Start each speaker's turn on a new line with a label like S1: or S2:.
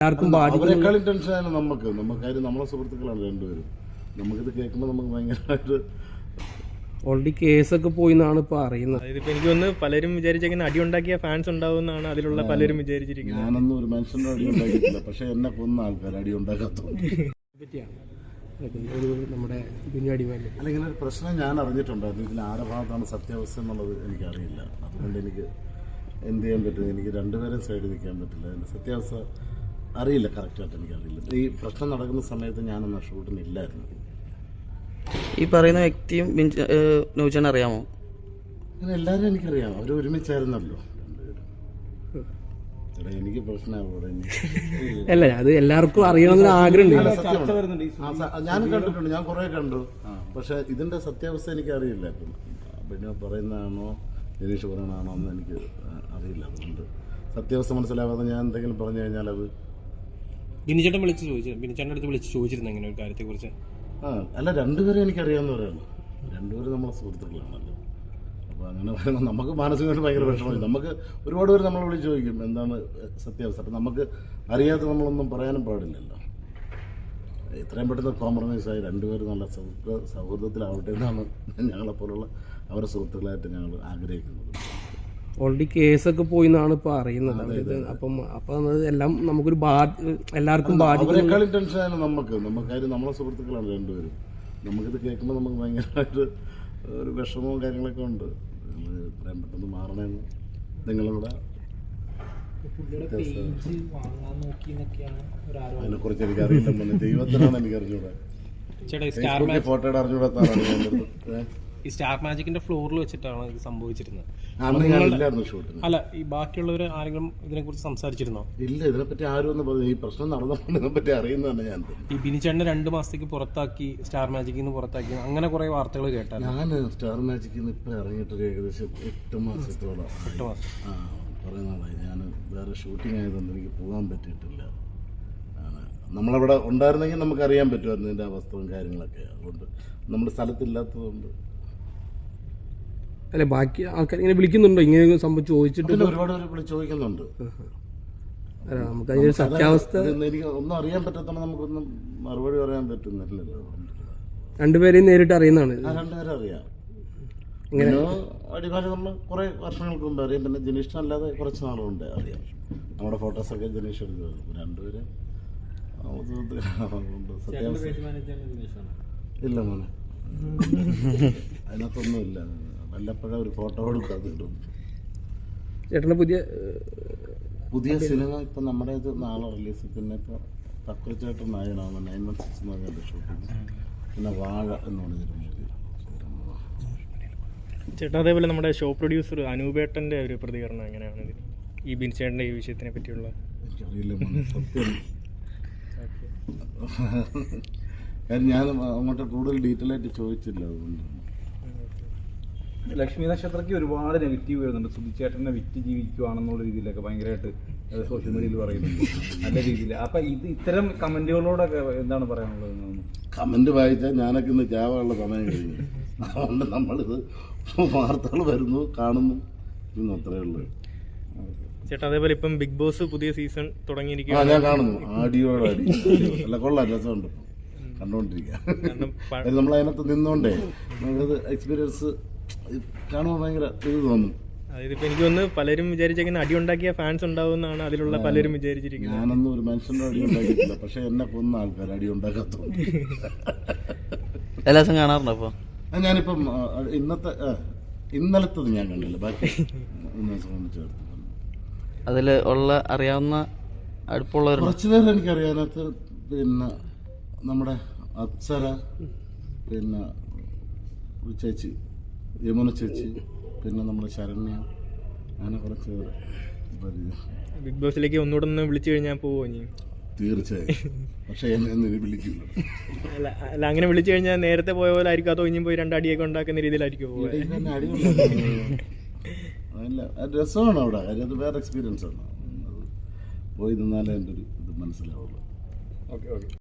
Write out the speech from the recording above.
S1: അവരെക്കാളും ടെൻഷനാണ് നമുക്ക് കാര്യം നമ്മളെ സുഹൃത്തുക്കളാണ് രണ്ടുപേരും. നമുക്കിത് കേൾക്കുമ്പോൾ നമുക്ക് ഭയങ്കരമായിട്ട്
S2: ഓൾറെഡി കേസൊക്കെ പോയി എന്നാണ് ഇപ്പൊ അറിയുന്നത്.
S3: എനിക്ക് തോന്നുന്നു പലരും വിചാരിച്ചേക്കുന്ന അടി ഉണ്ടാക്കിയ ഫാൻസ് ഉണ്ടാവുമെന്നാണ് അതിലുള്ള പലരും വിചാരിച്ചിരിക്കുന്നത്.
S1: ഞാനൊന്നും ഒരു മനുഷ്യന്റെ അടി ഉണ്ടാക്കിയിട്ടില്ല, പക്ഷെ എന്നെ കൊന്ന ആൾക്കാർ അടി ഉണ്ടാക്കാത്തതുകൊണ്ട്
S2: നമ്മുടെ
S1: അല്ല, ഇങ്ങനെ ഒരു പ്രശ്നം ഞാൻ അറിഞ്ഞിട്ടുണ്ടായിരുന്നു. ഇതിൽ ആരുടെ ഭാഗത്താണ് സത്യാവസ്ഥ എന്നുള്ളത് എനിക്കറിയില്ല. അതുകൊണ്ട് എനിക്ക് എന്ത് ചെയ്യാൻ പറ്റും, എനിക്ക് രണ്ടുപേരും സൈഡിൽ നിൽക്കാൻ പറ്റില്ല. അതിൻ്റെ സത്യാവസ്ഥ അറിയില്ല, കറക്റ്റായിട്ട് എനിക്കറിയില്ല. ഈ പ്രശ്നം നടക്കുന്ന സമയത്ത് ഞാനൊന്ന് ഷൂട്ടിനില്ലായിരുന്നു.
S4: ഈ പറയുന്ന വ്യക്തിയും നൗചാൻ അറിയാമോ?
S1: അങ്ങനെ എല്ലാവരും എനിക്കറിയാം, അവർ ഒരുമിച്ചായിരുന്നല്ലോ രണ്ടുപേരും. എനിക്ക് പ്രശ്നമാകൂടെ?
S2: അല്ല, അത് എല്ലാവർക്കും അറിയണമെന്ന് ആഗ്രഹമുണ്ട്.
S1: ഞാനും കണ്ടിട്ടുണ്ട്, ഞാൻ കുറെ കണ്ടു. പക്ഷെ ഇതിന്റെ സത്യാവസ്ഥ എനിക്ക് അറിയില്ല. പിന്നെ പറയുന്നതാണോ ജനീഷ് പറയണതാണോ എന്ന് എനിക്ക് അറിയില്ല. അതുകൊണ്ട് സത്യാവസ്ഥ മനസ്സിലാവാതെ ഞാൻ എന്തെങ്കിലും പറഞ്ഞു കഴിഞ്ഞാൽ അത്
S2: ബിനിച്ചേട്ടൻ അടുത്ത് വിളിച്ച് ചോദിച്ചിരുന്നു ഇങ്ങനെ ഒരു കാര്യത്തെ കുറിച്ച്.
S1: അല്ല, രണ്ടുപേരും എനിക്കറിയാവുന്നവരാണ്, രണ്ടുപേരും നമ്മളെ സുഹൃത്തുക്കളാണല്ലോ. അപ്പോൾ അങ്ങനെ പറയുമ്പോൾ നമുക്ക് മാനസികമായിട്ട് ഭയങ്കര വിഷമമായി. നമുക്ക് ഒരുപാട് പേര് നമ്മളെ വിളിച്ച് ചോദിക്കും എന്താണ് സത്യാവസ്ഥ. അപ്പം നമുക്ക് അറിയാതെ നമ്മളൊന്നും പറയാനും പാടില്ലല്ലോ. എത്രയും പെട്ടെന്ന് കോംപ്രമൈസായി രണ്ടുപേരും നല്ല സൗഹൃദത്തിലാവട്ടെ എന്നാണ് ഞങ്ങളെപ്പോലുള്ള അവരുടെ സുഹൃത്തുക്കളായിട്ട് ഞങ്ങൾ ആഗ്രഹിക്കുന്നത്.
S2: ഓൾറെഡി കേസൊക്കെ പോയി എന്നാണ് ഇപ്പൊ അറിയുന്നത്. അപ്പം എല്ലാം നമുക്കൊരു എല്ലാവർക്കും
S1: അവരെക്കാളും ടെൻഷനാണ് നമുക്ക് കാര്യം നമ്മളെ സുഹൃത്തുക്കളാണ് രണ്ടുപേരും. നമുക്കിത് കേൾക്കുമ്പോൾ നമുക്ക് ഭയങ്കരമായിട്ട് ഒരു വിഷമവും കാര്യങ്ങളൊക്കെ ഉണ്ട്. നിങ്ങൾ എത്രയും പെട്ടെന്ന് മാറണമെന്ന് നിങ്ങളും കൂടെ. അതിനെക്കുറിച്ച് എനിക്കറിയില്ല, ദൈവത്തിനാണ് എനിക്കറിഞ്ഞൂടെ. ഫോട്ടോയുടെ അറിഞ്ഞൂടാത്താണ്.
S2: ഈ സ്റ്റാർ മാജിക്കിന്റെ ഫ്ലോറിൽ വെച്ചിട്ടാണ് ഇത് സംഭവിച്ചിരുന്നത്.
S1: അല്ല,
S2: ഈ ബാക്കിയുള്ളവർ ആരെങ്കിലും ഇതിനെ കുറിച്ച് സംസാരിച്ചിരുന്നോ?
S1: ഇല്ല, ഇതിനെപ്പറ്റി ആരും ഒന്നും പറഞ്ഞു. ഈ പ്രശ്നം നടന്നപ്പോൾ ഇതിനെപ്പറ്റി അറിയുന്നതാണ് ഞാൻ.
S2: ഈ ബിനിച്ചേട്ടനെ 2 മാസത്തേക്ക് പുറത്താക്കി, സ്റ്റാർ മാജിക്കിൽ നിന്ന് പുറത്താക്കി, അങ്ങനെ കുറെ വാർത്തകൾ കേട്ടാൽ.
S1: ഞാൻ സ്റ്റാർ മാജിക്കിൽ നിന്ന് ഇപ്പം ഇറങ്ങിയിട്ട് ഏകദേശം 8 മാസത്തോളം കുറേ നാളായി. ഞാൻ വേറെ ഷൂട്ടിംഗ് ആയതുകൊണ്ട് എനിക്ക് പോകാൻ പറ്റിയിട്ടില്ല. നമ്മളവിടെ ഉണ്ടായിരുന്നെങ്കിൽ നമുക്കറിയാൻ പറ്റുമായിരുന്നു ഇതിൻ്റെ അവസ്ഥയും കാര്യങ്ങളൊക്കെ. അതുകൊണ്ട് നമ്മുടെ സ്ഥലത്തില്ലാത്തതുകൊണ്ട്.
S2: അല്ലെ, ബാക്കി ആൾക്കാർ ഇങ്ങനെ വിളിക്കുന്നുണ്ടോ ഇങ്ങനെ സംഭവം ചോദിച്ചിട്ട്?
S1: ഒരുപാട് പേര് വിളിച്ച് ചോദിക്കുന്നുണ്ട്.
S2: നമുക്ക് അതിന്റെ സത്യാവസ്ഥ
S1: എനിക്ക് ഒന്നും അറിയാൻ പറ്റാത്തതുകൊണ്ട് നമുക്കൊന്നും മറുപടി പറയാൻ പറ്റുന്നില്ലല്ലോ.
S2: രണ്ടുപേരെയും നേരിട്ട് അറിയുന്നതാണ്.
S1: രണ്ടുപേരും അറിയാം. അടിമാലി നമ്മൾ കുറെ വർഷങ്ങൾക്ക് മുമ്പ് അറിയാം. പിന്നെ ജനീഷിനല്ലാതെ കുറച്ച് നാളുകൊണ്ട് അറിയാം. നമ്മുടെ ഫോട്ടോസൊക്കെ ജനീഷ് എടുക്കും. രണ്ടുപേരും ഇല്ല മോനെ, അതിനകത്തൊന്നുമില്ല. വല്ലപ്പോഴും ഒരു ഫോട്ടോ കൊടുക്കാതെ കിട്ടും.
S2: ചേട്ടൻ്റെ
S1: പുതിയ സിനിമ ഇപ്പം നമ്മുടെ ഇത് നാളെ റിലീസ്. പിന്നെ ഇപ്പോൾ തക്കുറിച്ചേട്ടൻ നായനാണ് 916 എന്ന് പറഞ്ഞ ഷൂട്ടിങ്. പിന്നെ വാഴ എന്ന് പറഞ്ഞൊരു മൂവി.
S3: ചേട്ടാ, അതേപോലെ നമ്മുടെ ഷോ പ്രൊഡ്യൂസർ അനൂപേട്ടൻ്റെ ഒരു പ്രതികരണം എങ്ങനെയാണ് ഈ ബിൻചേട്ടൻ്റെ ഈ വിഷയത്തിനെ പറ്റിയുള്ള?
S1: എനിക്കറിയില്ല സത്യം. കാര്യം ഞാൻ അങ്ങോട്ട് കൂടുതൽ ഡീറ്റെയിൽ ആയിട്ട് ചോദിച്ചില്ല. അതുകൊണ്ട്
S5: ലക്ഷ്മി നക്ഷത്രയ്ക്ക് ഒരുപാട് നെഗറ്റീവ് വരുന്നുണ്ട്. സുധിച്ചേട്ടനെ വിറ്റ് ജീവിക്കുവാണെന്നുള്ള രീതിയിലൊക്കെ ഭയങ്കരമായിട്ട് സോഷ്യൽ മീഡിയയിൽ പറയുന്നുണ്ട്, നല്ല രീതിയിൽ. അപ്പൊ ഇത്തരം കമന്റുകളോടൊക്കെ എന്താണ് പറയാനുള്ളത്?
S1: കമന്റ് വായിച്ചാൽ ഞാനൊക്കെ ഇന്ന് ചാവാനുള്ള സമയം കഴിഞ്ഞു. അതുകൊണ്ട് നമ്മളിത് വാർത്തകൾ വരുന്നു, കാണുന്നു, ഇന്ന് അത്രയേ ഉള്ളൂ.
S3: ചേട്ടാ, അതേപോലെ ഇപ്പം ബിഗ് ബോസ് പുതിയ സീസൺ തുടങ്ങിയിരിക്കുക.
S1: ഞാൻ കാണുന്നു, ആടിയോട് അടി. അല്ല, കൊള്ളാം, രസമുണ്ട് കണ്ടുകൊണ്ടിരിക്കുക. നമ്മൾ അതിനകത്ത് നിന്നോണ്ടേ നമുക്കത് എക്സ്പീരിയൻസ് കാണുമ്പോൾ ഭയങ്കര ഇത് തോന്നും.
S3: അതായത് ഇപ്പൊ എനിക്ക് തോന്നുന്നു പലരും വിചാരിച്ചേക്കുന്ന അടി ഉണ്ടാക്കിയ ഫാൻസ് ഉണ്ടാവുമെന്നാണ് അതിലുള്ള പലരും വിചാരിച്ചിരിക്കുന്നത്.
S1: ഞാനൊന്നും ഒരു മനുഷ്യന്റെ അടി ഉണ്ടാക്കിയിട്ടില്ല, പക്ഷെ എന്നെ കൊന്ന ആൾക്കാർ അടി ഉണ്ടാക്കാത്തതുകൊണ്ട്.
S4: എല്ലാ ദിവസം കാണാറുണ്ടോ? അപ്പൊ
S1: ഞാനിപ്പം ഇന്നലത്തത് ഞാൻ കണ്ടില്ല, ബാക്കി ചേർത്ത്
S4: അതില് ഉള്ള അറിയാവുന്ന അടുപ്പുള്ളവർ
S1: കുറച്ചു പേര് എനിക്കറിയാനകത്ത്. പിന്നെ നമ്മുടെ അപ്സര, പിന്നെ ചേച്ചി യമുന ചേച്ചി, പിന്നെ നമ്മുടെ ശരണ്യ, അങ്ങനെ കുറച്ച് പേര്.
S3: ബിഗ് ബോസിലേക്ക് ഒന്നുകൂടെ ഒന്ന് വിളിച്ചു കഴിഞ്ഞാൽ പോവോ?
S1: തീർച്ചയായും, പക്ഷെ എന്നെ വിളിക്കില്ല.
S3: അല്ല, അങ്ങനെ വിളിച്ചു കഴിഞ്ഞാൽ നേരത്തെ പോയ പോലെ ആയിരിക്കും, അതോ ഇനിയും പോയി 2 അടിയൊക്കെ ഉണ്ടാക്കുന്ന രീതിയിലായിരിക്കും പോവുക?
S1: അല്ല, രസമാണ് അവിടെ. കാര്യം അത് വേറെ എക്സ്പീരിയൻസ് ആണ്. പോയി നിന്നാലേ എൻ്റെ ഒരു ഇത് മനസ്സിലാവുള്ളൂ.
S3: ഓക്കെ.